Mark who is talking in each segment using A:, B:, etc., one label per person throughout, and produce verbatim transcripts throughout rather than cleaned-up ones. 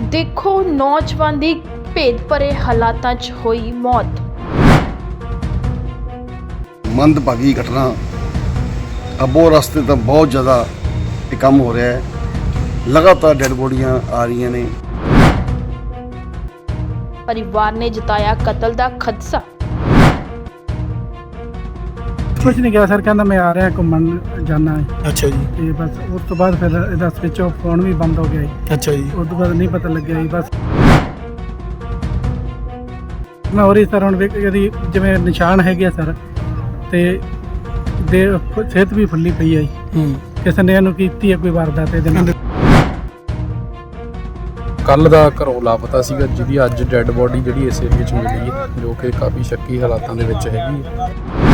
A: देखो नौजवान की भेद भरे हालातां च होई मौत।
B: मंदभागी घटना अबो रास्ते तो बहुत ज़्यादा ये काम हो रहा है। लगातार डेड बॉडियां आ रही ने।
A: परिवार ने जताया कत्ल का खदशा।
C: कुछ नहीं किया सर, कहना मैं आ रहा घूमन जाना है।
D: अच्छा जी।
C: ਤੇ ਬਸ ਉਸ ਤੋਂ ਬਾਅਦ ਫਿਰ ਇਹਦਾ ਸਵਿਚ ਆਫ ਫੋਨ ਵੀ ਬੰਦ ਹੋ ਗਿਆ ਜੀ।
D: ਅੱਛਾ ਜੀ।
C: ਉਸ ਤੋਂ ਬਾਅਦ ਨਹੀਂ ਪਤਾ ਲੱਗਿਆ ਜੀ। ਬਸ ਮੈਂ ਹੋਰ ਹੀ ਸਰ ਹੁਣ ਵੇਖ ਇਹਦੀ ਜਿਵੇਂ ਨਿਸ਼ਾਨ ਹੈਗੇ ਆ ਸਰ, ਤੇ ਦੇ ਸਿਹਤ ਵੀ ਫੁੱਲੀ ਪਈ ਹੈ ਜੀ।
D: ਹੂੰ।
C: ਕਿਸੇ ਨੇ ਇਹਨੂੰ ਕੀਤੀ ਹੈ ਕੋਈ ਵਾਰਦਾਤ ਇਹਦੇ ਨਾਲ।
E: ਕੱਲ ਦਾ ਘਰੋਂ ਲਾਪਤਾ ਸੀਗਾ, ਜਿਹਦੀ ਅੱਜ ਡੈੱਡ ਬੋਡੀ ਜਿਹੜੀ ਇਸ ਏਰੀਏ 'ਚ ਮਿਲੀ ਹੈ, ਜੋ ਕਿ ਕਾਫੀ ਸ਼ੱਕੀ ਹਾਲਾਤਾਂ ਦੇ ਵਿੱਚ ਹੈਗੀ ਹੈ।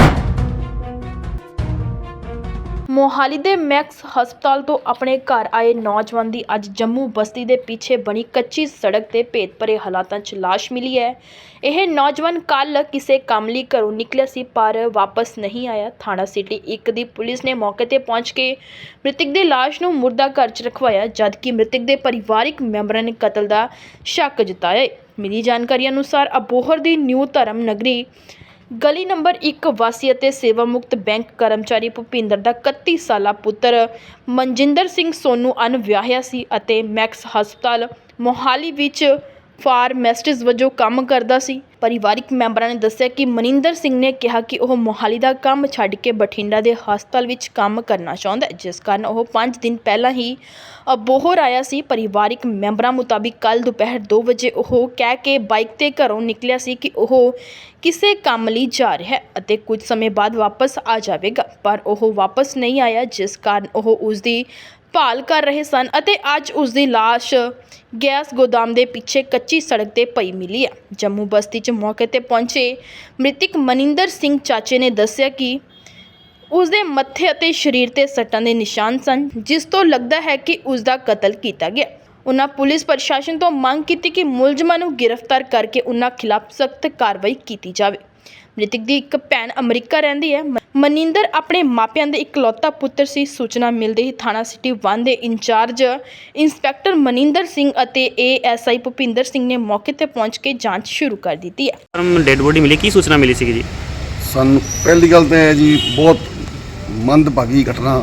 A: मोहाली ਦੇ मैक्स ਹਸਪਤਾਲ ਤੋਂ ਆਪਣੇ ਘਰ ਆਏ ਨੌਜਵਾਨ ਦੀ ਅੱਜ ਜੰਮੂ ਬਸਤੀ ਦੇ ਪਿੱਛੇ ਬਣੀ ਕੱਚੀ ਸੜਕ ਤੇ ਭੇਦ ਭਰੇ ਹਾਲਾਤਾਂ 'ਚ ਲਾਸ਼ ਮਿਲੀ ਹੈ। ਇਹ ਨੌਜਵਾਨ ਕੱਲ ਕਿਸੇ ਕੰਮ ਲਈ ਘਰੋਂ ਨਿਕਲਿਆ ਸੀ ਪਰ ਵਾਪਸ ਨਹੀਂ ਆਇਆ। ਥਾਣਾ ਸਿਟੀ ਇੱਕ ਦੀ ਪੁਲਿਸ ਨੇ ਮੌਕੇ ਤੇ ਪਹੁੰਚ ਕੇ ਮ੍ਰਿਤਕ ਦੀ ਲਾਸ਼ ਨੂੰ ਮੁਰਦਾ ਘਰ 'ਚ ਰਖਵਾਇਆ, ਜਦਕਿ ਮ੍ਰਿਤਕ ਦੇ ਪਰਿਵਾਰਿਕ ਮੈਂਬਰਾਂ ਨੇ ਕਤਲ ਦਾ ਸ਼ੱਕ ਜਤਾਇਆ। ਮਿਲੀ ਜਾਣਕਾਰੀ ਅਨੁਸਾਰ ਅਬੋਹਰ ਦੀ ਨਿਊ ਧਰਮ ਨਗਰੀ ਗਲੀ ਨੰਬਰ ਇੱਕ ਵਾਸੀ ਅਤੇ ਸੇਵਾ ਮੁਕਤ ਬੈਂਕ ਕਰਮਚਾਰੀ ਭੁਪਿੰਦਰ ਦਾ ਇਕੱਤੀ ਸਾਲਾ ਪੁੱਤਰ ਮਨਜਿੰਦਰ ਸਿੰਘ ਸੋਨੂ ਅਣਵਿਆਹਿਆ ਸੀ ਅਤੇ ਮੈਕਸ ਹਸਪਤਾਲ ਮੋਹਾਲੀ ਵਿੱਚ ਫਾਰਮਾਸਿਸਟ ਵਜੋਂ ਕੰਮ ਕਰਦਾ ਸੀ। ਪਰਿਵਾਰਿਕ ਮੈਂਬਰਾਂ ਨੇ ਦੱਸਿਆ ਕਿ ਮਨਿੰਦਰ ਸਿੰਘ ਨੇ ਕਿਹਾ ਕਿ ਉਹ ਮੋਹਾਲੀ ਦਾ ਕੰਮ ਛੱਡ ਕੇ ਬਠਿੰਡਾ ਦੇ ਹਸਪਤਾਲ ਵਿੱਚ ਕੰਮ ਕਰਨਾ ਚਾਹੁੰਦਾ ਹੈ, ਜਿਸ ਕਾਰਨ ਉਹ ਪੰਜ ਦਿਨ ਪਹਿਲਾਂ ਹੀ ਅਬੋਹਰ ਆਇਆ ਸੀ। ਪਰਿਵਾਰਿਕ ਮੈਂਬਰਾਂ ਮੁਤਾਬਿਕ ਕੱਲ ਦੁਪਹਿਰ ਦੋ ਵਜੇ ਉਹ ਕਹਿ ਕੇ ਬਾਈਕ ਤੇ ਘਰੋਂ ਨਿਕਲਿਆ ਸੀ ਕਿ ਉਹ ਕਿਸੇ ਕੰਮ ਲਈ ਜਾ ਰਿਹਾ ਹੈ ਅਤੇ ਕੁਝ ਸਮੇਂ ਬਾਅਦ ਵਾਪਸ ਆ ਜਾਵੇਗਾ, ਪਰ ਉਹ ਵਾਪਸ ਨਹੀਂ ਆਇਆ, ਜਿਸ ਕਾਰਨ ਉਹ ਉਸ ਦੀ ਭਾਲ ਕਰ ਰਹੇ ਸਨ ਅਤੇ ਅੱਜ ਉਸ ਦੀ ਲਾਸ਼ ਗੈਸ ਗੋਦਾਮ ਦੇ ਪਿੱਛੇ ਕੱਚੀ ਸੜਕ ਤੇ ਪਈ ਮਿਲੀ ਹੈ। ਜੰਮੂ ਬਸਤੀ 'ਚ ਮੌਕੇ ਤੇ ਪਹੁੰਚੇ ਮ੍ਰਿਤਕ ਮਨਿੰਦਰ ਸਿੰਘ ਚਾਚੇ ਨੇ ਦੱਸਿਆ ਕਿ ਉਸ ਦੇ ਮੱਥੇ ਅਤੇ ਸਰੀਰ ਤੇ ਸੱਟਾਂ ਦੇ ਨਿਸ਼ਾਨ ਸਨ, ਜਿਸ ਤੋਂ ਲੱਗਦਾ ਹੈ ਕਿ ਉਸ ਦਾ ਕਤਲ ਕੀਤਾ ਗਿਆ। ਉਨ੍ਹਾਂ ਪੁਲਿਸ ਪ੍ਰਸ਼ਾਸਨ ਤੋਂ ਮੰਗ ਕੀਤੀ ਕਿ ਮੁਲਜ਼ਮਾਂ ਨੂੰ ਗ੍ਰਿਫਤਾਰ ਕਰਕੇ ਉਨ੍ਹਾਂ ਖਿਲਾਫ ਸਖਤ ਕਾਰਵਾਈ ਕੀਤੀ ਜਾਵੇ। ਮ੍ਰਿਤਕ ਦੀ ਇੱਕ ਭੈਣ ਅਮਰੀਕਾ ਰਹਿੰਦੀ ਹੈ। ਮਨਿੰਦਰ ਆਪਣੇ ਮਾਪਿਆਂ ਦੇ ਇਕਲੌਤਾ ਪੁੱਤਰ ਸੀ। ਸੂਚਨਾ ਮਿਲਦੇ ਹੀ ਥਾਣਾ ਸਿਟੀ ਇੱਕ ਦੇ ਇੰਚਾਰਜ ਇੰਸਪੈਕਟਰ ਮਨਿੰਦਰ ਸਿੰਘ ਅਤੇ A S I Bhupinder Singh ਨੇ ਮੌਕੇ ਤੇ ਪਹੁੰਚ ਕੇ ਜਾਂਚ ਸ਼ੁਰੂ ਕਰ ਦਿੱਤੀ ਹੈ।
D: ਡੈਡ ਬੋਡੀ ਮਿਲੀ, ਕੀ ਸੂਚਨਾ ਮਿਲੀ ਸੀ ਜੀ?
B: ਸਾਨੂੰ ਪਹਿਲੀ ਗੱਲ ਤਾਂ ਹੈ ਜੀ, ਬਹੁਤ ਮੰਦਭਾਗੀ ਘਟਨਾ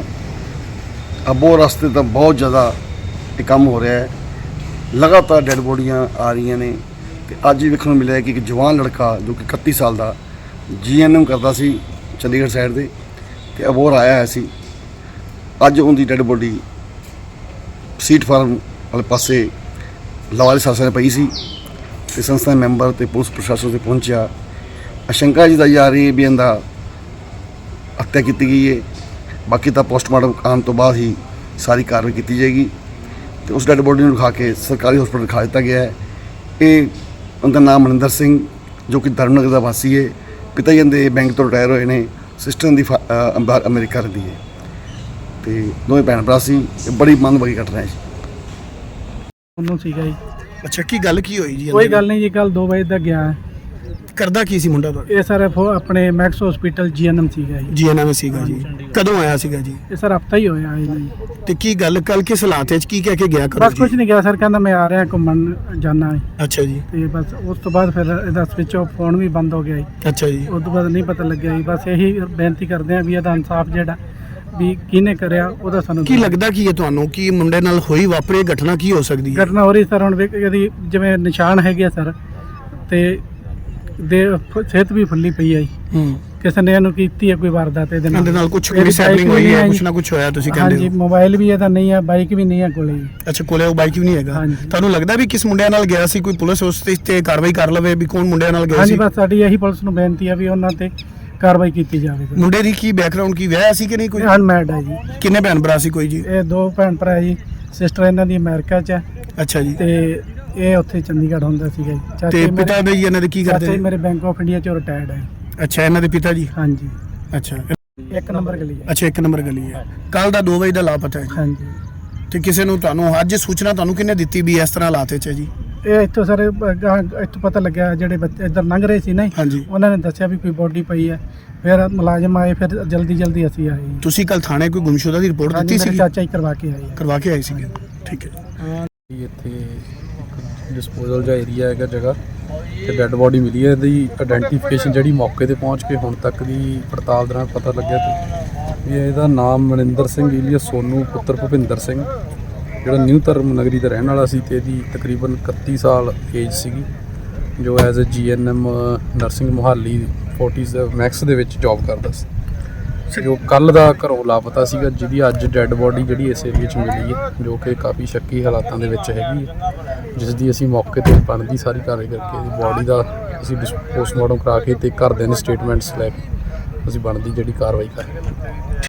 B: ਅਬੋ ਰਾਸਤੇ ਤੋਂ ਬਹੁਤ ਜ਼ਿਆਦਾ ਇਹ ਕੰਮ ਹੋ ਰਿਹਾ ਹੈ। ਲਗਾਤਾਰ ਡੈਡ ਬੋਡੀਆਂ ਆ ਰਹੀਆਂ ਨੇ ਤੇ ਅੱਜ ਹੀ ਵੇਖਣ ਨੂੰ ਮਿਲਿਆ ਕਿ ਇੱਕ ਜਵਾਨ ਲੜਕਾ ਜੋ ਕਿ ਇਕੱਤੀ ਸਾਲ ਦਾ ਜੀ ਐਨ ਐਮ ਕਰਦਾ ਸੀ ਚੰਡੀਗੜ੍ਹ ਸਾਈਡ ਦੇ, ਤੇ ਅਬੋਹਰ ਆਇਆ ਹੋਇਆ ਸੀ। ਅੱਜ ਉਹਦੀ ਡੈਡ ਬੋਡੀ ਸੀਟ ਫਾਰਮ ਵਾਲੇ ਪਾਸੇ ਲਵਾਲੀ ਸਾਸਾਂ ਨੇ ਪਈ ਸੀ ਤੇ ਸੰਸਥਾ ਦੇ ਮੈਂਬਰ ਤੇ ਪੁਲਿਸ ਪ੍ਰਸ਼ਾਸਨ ਤੇ ਪਹੁੰਚਿਆ। ਆਸ਼ੰਕਾ ਜੀ ਦਾ ਜਾ ਰਹੀ ਹੈ ਵੀ ਇਹਦਾ ਹੱਤਿਆ ਕੀਤੀ ਗਈ ਹੈ। ਬਾਕੀ ਤਾਂ ਪੋਸਟਮਾਰਟਮ ਆਉਣ ਤੋਂ ਬਾਅਦ ਹੀ ਸਾਰੀ ਕਾਰਵਾਈ ਕੀਤੀ ਜਾਏਗੀ ਤੇ ਉਸ ਡੈਡ ਬੋਡੀ ਨੂੰ ਰਖਾ ਕੇ ਸਰਕਾਰੀ ਹਸਪਤਾਲ ਰਖਾ ਦਿੱਤਾ ਗਿਆ ਹੈ। ਇਹ ਉਹਦਾ ਨਾਮ ਮਨਿੰਦਰ ਸਿੰਘ ਜੋ ਕਿ ਧਰਮਨਗਰ ਦਾ ਵਾਸੀ ਹੈ। ਪਿਤਾ ਜੀ ਦੇ ਬੈਂਕ ਤੋਂ ਰਿਟਾਇਰ ਹੋਏ ਨੇ। ਸਿਸਟਰ ਦੀ ਅਮਰੀਕਾ ਰਹਿੰਦੀ ਹੈ ਤੇ ਦੋਵੇਂ ਭੈਣ ਭਰਾ ਸੀ। ਇਹ ਬੜੀ ਮੰਦਭਾਗੀ ਘਟਨਾ ਹੈ ਜੀ।
C: ਉਹਨੂੰ ਸੀਗਾ ਜੀ।
D: ਅੱਛਾ, ਕੀ ਗੱਲ ਕੀ ਹੋਈ ਜੀ?
C: ਕੋਈ ਗੱਲ ਨਹੀਂ ਜੀ, ਕੱਲ ਦੋ ਵਜੇ ਤੱਕ ਗਿਆ ਹੈ।
D: ਕਰਦਾ ਕੀ ਸੀ ਮੁੰਡਾ ਤੁਹਾਡਾ?
C: ਇਹ ਸਰ ਆਪਣੇ ਮੈਕਸ ਹਸਪੀਟਲ ਜੀ ਐਨ ਐਮ ਸੀਗਾ ਜੀ।
D: ਜੀ ਐਨ ਐਮ ਸੀਗਾ ਜੀ। ਕਦੋਂ ਆਇਆ ਸੀਗਾ ਜੀ?
C: ਇਹ ਸਰ ਹਫਤਾ ਹੀ ਹੋਇਆ ਹੈ ਜੀ।
D: ਤੇ ਕੀ ਗੱਲ ਕੱਲ ਕਿਸ ਹਾਲਾਤ ਵਿੱਚ ਕੀ ਕਹਿ ਕੇ ਗਿਆ ਕਰੋ
C: ਬਸ ਕੁਝ ਨਹੀਂ ਕਿਹਾ ਸਰ, ਕਹਿੰਦਾ ਮੈਂ ਆ ਰਿਹਾ ਘੁੰਮਣ ਜਾਣਾ ਹੈ।
D: ਅੱਛਾ ਜੀ।
C: ਤੇ ਬਸ ਉਸ ਤੋਂ ਬਾਅਦ ਫਿਰ ਇਹਦਾ ਸਵਿਚ ਆਫ ਫੋਨ ਵੀ ਬੰਦ ਹੋ ਗਿਆ ਜੀ।
D: ਅੱਛਾ ਜੀ।
C: ਉਸ ਤੋਂ ਬਾਅਦ ਨਹੀਂ ਪਤਾ ਲੱਗਿਆ ਜੀ। ਬਸ ਇਹੀ ਬੇਨਤੀ ਕਰਦੇ ਹਾਂ ਵੀ ਇਹਦਾ ਇਨਸਾਫ ਜਿਹੜਾ ਵੀ ਕਿਹਨੇ ਕਰਿਆ ਉਹਦਾ ਸਾਨੂੰ
D: ਕੀ ਲੱਗਦਾ ਕੀ ਹੈ ਤੁਹਾਨੂੰ ਕਿ ਮੁੰਡੇ ਨਾਲ ਹੋਈ ਵਾਪਰੀ ਘਟਨਾ ਕੀ ਹੋ ਸਕਦੀ ਹੈ?
C: ਘਟਨਾ ਹੋ ਰਹੀ ਸਰ, ਹੁਣ ਵੇਖ ਇਹਦੀ ਜਿਵੇਂ ਨਿਸ਼ਾਨ ਹੈਗੇ ਆ ਸਰ, ਤੇ ਦੇ ਸਿਹਤ ਵੀ ਫੁੱਲੀ ਪਈ ਹੈ ਜੀ।
D: ਹੂੰ।
C: ਕਿਸੇ ਨੇ ਇਹਨੂੰ ਕੀਤੀ ਹੈ ਕੋਈ ਵਾਰਦਾਤ ਇਹਦੇ ਨਾਲ।
D: ਇਹਦੇ ਨਾਲ ਕੁਝ ਮਿਸਹੈਪਨਿੰਗ ਹੋਈ ਹੈ, ਕੁਝ ਨਾ ਕੁਝ ਹੋਇਆ ਤੁਸੀਂ ਕਹਿੰਦੇ ਹੋ?
C: ਹਾਂਜੀ, ਮੋਬਾਈਲ ਵੀ ਇਹਦਾ ਨਹੀਂ ਹੈ, ਬਾਈਕ ਵੀ ਨਹੀਂ ਹੈ ਕੋਲੇ ਜੀ।
D: ਅੱਛਾ, ਕੋਲੇ ਉਹ ਬਾਈਕ ਵੀ ਨਹੀਂ ਹੈਗਾ। ਤੁਹਾਨੂੰ ਲੱਗਦਾ ਵੀ ਕਿਸ ਮੁੰਡਿਆਂ ਨਾਲ ਗਿਆ ਸੀ? ਕੋਈ ਪੁਲਿਸ ਉਸ ਤੇ ਕਾਰਵਾਈ ਕਰ ਲਵੇ ਵੀ ਕੌਣ ਮੁੰਡਿਆਂ ਨਾਲ ਗਿਆ ਸੀ?
C: ਹਾਂਜੀ, ਬਸ ਸਾਡੀ ਇਹੀ ਪੁਲਿਸ ਨੂੰ ਬੇਨਤੀ ਹੈ ਵੀ ਉਹਨਾਂ ਤੇ ਕਾਰਵਾਈ ਕੀਤੀ ਜਾਵੇ।
D: ਮੁੰਡੇ ਦੀ ਕੀ ਬੈਕਗ੍ਰਾਉਂਡ, ਕੀ ਵਿਆਹ ਸੀ ਕਿ ਨਹੀਂ? ਕੋਈ
C: ਅਨਮੈਰਿਡ ਹੈ ਜੀ।
D: ਕਿੰਨੇ ਭੈਣ ਭਰਾ ਸੀ ਕੋਈ ਜੀ?
C: ਇਹ ਦੋ ਭੈਣ ਭਰਾ ਜੀ। ਸਿਸਟਰ ਇਹਨਾਂ ਦੀ ਅਮਰੀਕਾ 'ਚ ਹੈ।
D: ਅੱਛਾ ਜੀ।
C: ਤੇ ਇਹ ਉੱਥੇ ਚੰਡੀਗੜ੍ਹ ਹੁੰਦਾ ਸੀਗਾ ਜੀ।
D: ਤੇ ਪਿਤਾ ਦੇ ਜੀ ਇਹਨਾਂ ਦੇ ਕੀ ਕਰਦੇ?
C: ਚਾਚਾ ਮੇਰੇ ਬੈਂਕ ਆਫ ਇੰਡੀਆ 'ਚੋਂ ਰਿਟਾਇਰਡ ਹੈ।
D: ਅੱਛਾ, ਇਹਨਾਂ ਦੇ ਪਿਤਾ ਜੀ?
C: ਹਾਂਜੀ।
D: ਅੱਛਾ,
C: ਇੱਕ ਨੰਬਰ ਗਲੀ ਹੈ।
D: ਅੱਛਾ, ਇੱਕ ਨੰਬਰ ਗਲੀ ਹੈ। ਕੱਲ ਦਾ ਦੋ ਵਜੇ ਦਾ ਲਾਪਤਾ ਹੈ।
C: ਹਾਂਜੀ।
D: ਤੇ ਕਿਸੇ ਨੂੰ ਤੁਹਾਨੂੰ ਅੱਜ ਸੂਚਨਾ ਤੁਹਾਨੂੰ ਕਿਹਨੇ ਦਿੱਤੀ ਵੀ ਇਸ ਤਰ੍ਹਾਂ ਹਾਲਾਤ ਵਿੱਚ ਹੈ ਜੀ?
C: ਇਹ ਇੱਥੋਂ ਸਰ ਇੱਥੋਂ ਪਤਾ ਲੱਗਿਆ, ਜਿਹੜੇ ਬੱਚੇ ਇੱਧਰ ਲੰਘ ਰਹੇ ਸੀ ਨਾ,
D: ਹਾਂਜੀ,
C: ਉਹਨਾਂ ਨੇ ਦੱਸਿਆ ਵੀ ਕੋਈ ਬੋਡੀ ਪਈ ਹੈ। ਫਿਰ ਮੁਲਾਜ਼ਮ ਆਏ, ਫਿਰ ਜਲਦੀ ਜਲਦੀ ਅਸੀਂ ਆਏ।
D: ਤੁਸੀਂ ਕੱਲ ਥਾਣੇ ਕੋਈ ਗੁੰਮਸ਼ੁਦਾ ਦੀ ਰਿਪੋਰਟ ਦਿੱਤੀ ਸੀ?
C: ਚਾਚਾ ਹੀ ਕਰਵਾ ਕੇ ਆਏ।
D: ਕਰਵਾ ਕੇ ਆਏ ਸੀਗੇ। ਠੀਕ ਹੈ।
E: ਇੱਥੇ ਡਿਸਪੋਜ਼ਲ ਜਿਹਾ ਏਰੀਆ ਹੈਗਾ ਜਗ੍ਹਾ ਤੇ ਡੈੱਡ ਬੋਡੀ ਮਿਲੀ ਹੈ। ਇਹਦੀ ਆਇਡੈਂਟੀਫਿਕੇਸ਼ਨ ਜਿਹੜੀ ਮੌਕੇ ਤੇ ਪਹੁੰਚ ਕੇ ਹੁਣ ਤੱਕ ਦੀ ਪੜਤਾਲ ਦੌਰਾਨ ਪਤਾ ਲੱਗਿਆ ਤੇ ਵੀ ਇਹਦਾ ਨਾਮ ਮਨਿੰਦਰ ਸਿੰਘ ਈਲੀਆ ਸੋਨੂ ਪੁੱਤਰ ਭੁਪਿੰਦਰ ਸਿੰਘ ਜਿਹੜਾ ਨਿਊ ਧਰਮ ਨਗਰੀ ਦਾ ਰਹਿਣ ਵਾਲਾ ਸੀ ਤੇ ਇਹਦੀ ਤਕਰੀਬਨ ਇਕੱਤੀ ਸਾਲ ਏਜ ਸੀਗੀ, ਜੋ as uh G N M nursing Mohali Fortis Max ਦੇ ਵਿੱਚ ਜੌਬ ਕਰਦਾ ਸੀ, ਜੋ ਕੱਲ ਦਾ ਘਰੋਂ ਲਾਪਤਾ ਸੀਗਾ, ਜਿਹਦੀ ਅੱਜ ਡੈੱਡ ਬੋਡੀ ਜਿਹੜੀ ਇਸ ਏਰੀਏ 'ਚ ਮਿਲੀ ਹੈ, ਜੋ ਕਿ ਕਾਫੀ ਸ਼ੱਕੀ ਹਾਲਾਤਾਂ ਦੇ ਵਿੱਚ ਹੈਗੀ ਹੈ, ਜਿਸ ਦੀ ਅਸੀਂ ਮੌਕੇ 'ਤੇ ਬਣਦੀ ਸਾਰੀ ਕਾਰਵਾਈ ਕਰਕੇ ਇਹਦੀ ਬੋਡੀ ਦਾ ਅਸੀਂ ਪੋਸਟਮਾਰਟਮ ਕਰਾ ਕੇ ਤੇ ਘਰਦਿਆਂ ਦੇ ਸਟੇਟਮੈਂਟਸ ਲੈ ਕੇ ਅਸੀਂ ਬਣਦੀ ਜਿਹੜੀ ਕਾਰਵਾਈ ਕਰ ਰਹੇ ਹਾਂ।